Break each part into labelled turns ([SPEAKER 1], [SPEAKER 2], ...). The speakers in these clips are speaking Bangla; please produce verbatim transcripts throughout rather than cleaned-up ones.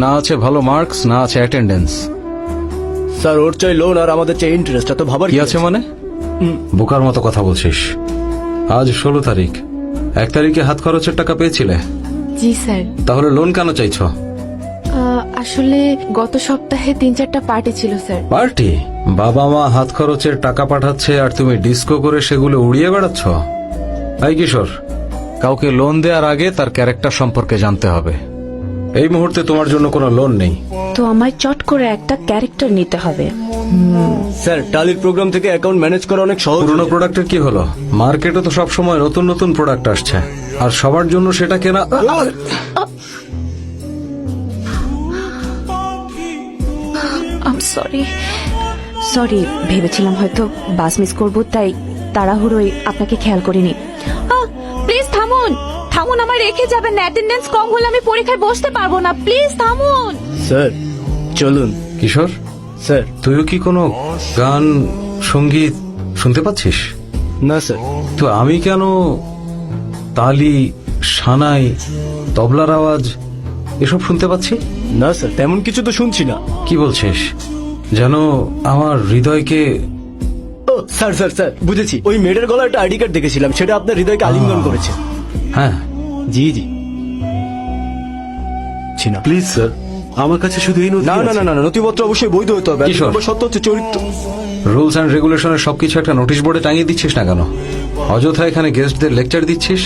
[SPEAKER 1] না আছে ভালো মার্কস, না আছে অ্যাটেন্ডেন্স।
[SPEAKER 2] স্যার ওর চাই লোন আর আমাদের চাই ইন্টারেস্ট, তো ভাবার
[SPEAKER 1] কি আছে মানে? বোকার মতো কথা বলছিস। আজ ষোলো তারিখ, এক তারিখে হাত খরচের টাকা পেয়েছিলে?
[SPEAKER 3] জি স্যার।
[SPEAKER 1] তাহলে লোন কেন চাইছো?
[SPEAKER 3] আহ, আসলে গত সপ্তাহে তিন চারটা পার্টি ছিল স্যার।
[SPEAKER 1] পার্টি? বাবা মা হাত খরচের টাকা পাঠাচ্ছে আর তুমি ডিস্কো করে সেগুলো উড়িয়ে বেড়াচ্ছ? এই কিশোর, কাউকে লোন দেওয়ার আগে তার ক্যারেক্টার সম্পর্কে জানতে হবে। এই মুহূর্তে তোমার জন্য কোনো লোন নেই।
[SPEAKER 4] তো আমায় চট করে একটা ক্যারেক্টার নিতে হবে।
[SPEAKER 2] স্যার টালির প্রোগ্রাম থেকে অ্যাকাউন্ট ম্যানেজ করা অনেক সহজ।
[SPEAKER 1] পুরোনো প্রোডাক্টের কি হলো? মার্কেটে তো সব সময় নতুন নতুন প্রোডাক্ট আসছে, আর সবার জন্য সেটা কেনা।
[SPEAKER 4] আম সরি সরি ভেবেছিলাম হয়তো বাস মিস করব, তাই তাড়াহুড়োয় আপনাকে খেয়াল করিনি। প্লিজ থামুন থামুন, আমার রেখে যাবেন না। অ্যাটেন্ডেন্স কম হলে আমি পরীক্ষায় বসতে পারবো না। প্লিজ থামুন।
[SPEAKER 2] স্যার চলুন।
[SPEAKER 1] কিশোর,
[SPEAKER 2] স্যার
[SPEAKER 1] তুইও কি কোনো গান সঙ্গীত শুনতে পাচ্ছিস?
[SPEAKER 2] না স্যার।
[SPEAKER 1] তো আমি কেন তালি, সানাই, তবলার আওয়াজ এসব শুনতে পাচ্ছি?
[SPEAKER 2] না স্যার, তেমন কিছু তো শুনছি না।
[SPEAKER 1] কি বলছিস? যেন আমার হৃদয়কে।
[SPEAKER 2] ও স্যার স্যার স্যার বুঝেছি, ওই মেয়েটার গলায় একটা আইডি কার্ড দেখেছিলাম, সেটা আপনার হৃদয়কে আলিঙ্গন করেছে।
[SPEAKER 1] হ্যাঁ,
[SPEAKER 2] জি জি ছি না।
[SPEAKER 5] প্লিজ স্যার, আমার কাছে শুধু এই নথি
[SPEAKER 2] না না
[SPEAKER 5] আছে।
[SPEAKER 2] না না না, নথিপত্র অবশ্যই বৈধ হতে হবে।
[SPEAKER 1] কিশোর।
[SPEAKER 2] নম্বর সত্য হচ্ছে চরিত্র।
[SPEAKER 1] রুলস অ্যান্ড রেগুলেশনের সবকিছু একটা নোটিশ বোর্ডে টাঙিয়ে দিচ্ছিস না কেন? অযথা এখানে গেস্টদের লেকচার দিচ্ছিস।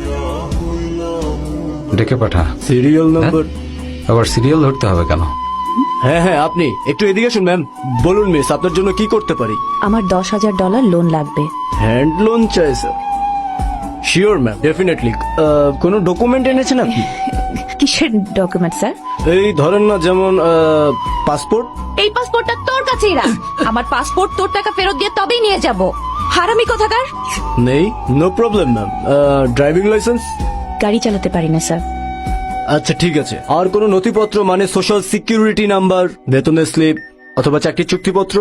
[SPEAKER 1] ডেকে পাঠা।
[SPEAKER 2] Serial number.
[SPEAKER 1] আবার সিরিয়াল ধরতে হবে কেন?
[SPEAKER 2] হ্যাঁ হ্যাঁ, আপনি একটু এদিকে আসুন। ম্যাম বলুন মিস, আপনার জন্য কি করতে পারি?
[SPEAKER 4] আমার দশ হাজার ডলার লোন লাগবে।
[SPEAKER 2] হ্যান্ড লোন চাই স্যার? Sure ma'am, definitely. কোনো ডকুমেন্ট এনেছেন আপনি?
[SPEAKER 4] কিসের ডকুমেন্ট স্যার?
[SPEAKER 2] এই ধরেন না, যেমন পাসপোর্ট।
[SPEAKER 4] এই পাসপোর্টটা তোর কাছেই রাখ। আমার পাসপোর্ট তোর টাকা ফেরত দিয়ে তবেই নিয়ে যাব। হারামি কোথাকার।
[SPEAKER 2] নেই, no problem ma'am. Driving licence?
[SPEAKER 4] গাড়ি চালাতে পারি না স্যার।
[SPEAKER 2] আচ্ছা ঠিক আছে। আর কোনো নথিপত্র, মানে সোশ্যাল সিকিউরিটি নাম্বার, বেতনের স্লিপ অথবা চাকরির চুক্তিপত্র?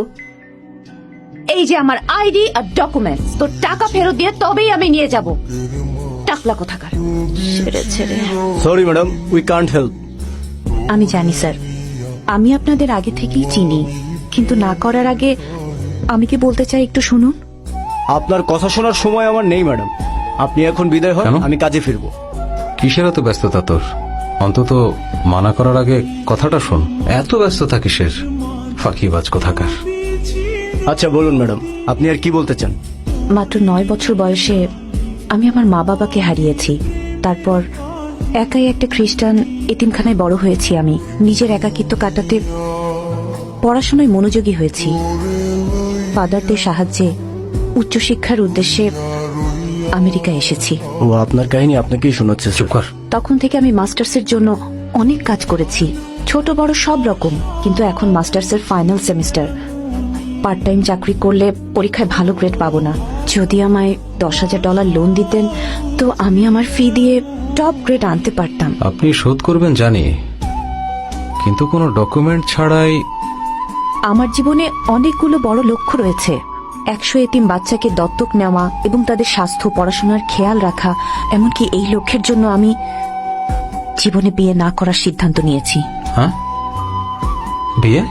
[SPEAKER 4] এই যে আমার আইডি আর ডকুমেন্টস, তোর টাকা ফেরত দিয়ে তবেই আমি নিয়ে যাব। টাকলা কোথাকার। ছেড়ে ছেড়ে।
[SPEAKER 2] Sorry madam, we can't help.
[SPEAKER 4] আমি জানি স্যার, আমি আপনাদের আগে থেকেই চিনি, কিন্তু না করার আগে আমি কি বলতে চাই একটু শুনুন।
[SPEAKER 2] আপনার কথা শোনার সময় আমার নেই ম্যাডাম, আপনি এখন বিদায় হন,
[SPEAKER 1] কেন?
[SPEAKER 2] আমি কাজে ফিরবো।
[SPEAKER 1] কিসের এত ব্যস্ততা তোর? অন্তত মানা করার আগে কথাটা শোন। এত ব্যস্ততা কিসের? ফাঁকিবাজ কোথাকার।
[SPEAKER 2] আচ্ছা বলুন ম্যাডাম, আপনি আর কি বলতে চান?
[SPEAKER 4] মাত্র নয় বছর বয়সে আমি আমার মা বাবাকে হারিয়েছি। তারপর একাই একটা খ্রিস্টান এতিমখানায় বড় হয়েছি। আমি নিজের একাকিত্ব কাটাতে পড়াশোনায় মনোযোগী হয়েছি। ফাদারদের সাহায্যে উচ্চশিক্ষার উদ্দেশ্যে আমেরিকা এসেছি।
[SPEAKER 2] ও আপনার কাহিনী আপনাকেই শোনাচ্ছে।
[SPEAKER 1] চুপ কর।
[SPEAKER 4] তখন থেকে আমি মাস্টার্সের জন্য অনেক কাজ করেছি, ছোট বড় সব রকম। কিন্তু এখন মাস্টার্সের ফাইনাল সেমিস্টার। পার্ট টাইম চাকরি করলে পরীক্ষায় ভালো গ্রেড পাবো না। যদি আমায় দশ হাজার ডলার লোন দিতেন তো আমি আমার ফি দিয়ে টপ গ্রেড আনতে পারতাম।
[SPEAKER 1] আপনি শোধ করবেন জানি, কিন্তু কোনো ডকুমেন্ট ছাড়াই।
[SPEAKER 4] আমার জীবনে অনেকগুলো বড় লক্ষ্য রয়েছে। একশো এতিম বাচ্চাকে দত্তক নেওয়া এবং তাদের স্বাস্থ্য, পড়াশোনার খেয়াল রাখা। এমনকি এই লক্ষ্যের জন্য আমি জীবনে বিয়ে না করার সিদ্ধান্ত নিয়েছি।
[SPEAKER 1] হ্যাঁ, বিয়ে?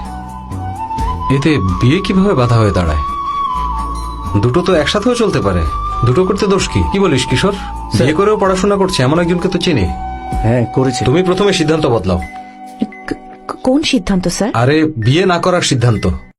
[SPEAKER 1] এতে বিয়ে কিভাবে বাধা হয়ে দাঁড়ায়? দুটো তো একসাথেও চলতে পারে। দুটো করতে দোষ কি? কি বলিস কিশোর? বিয়ে করেও পড়াশোনা করছে এমন একজনকে তো চিনি।
[SPEAKER 2] হ্যাঁ করেছে।
[SPEAKER 4] আচ্ছা।
[SPEAKER 1] তুমি প্রথমে সিদ্ধান্ত বদলাও।
[SPEAKER 4] কোন সিদ্ধান্ত স্যার?
[SPEAKER 1] আরে বিয়ে না করার সিদ্ধান্ত।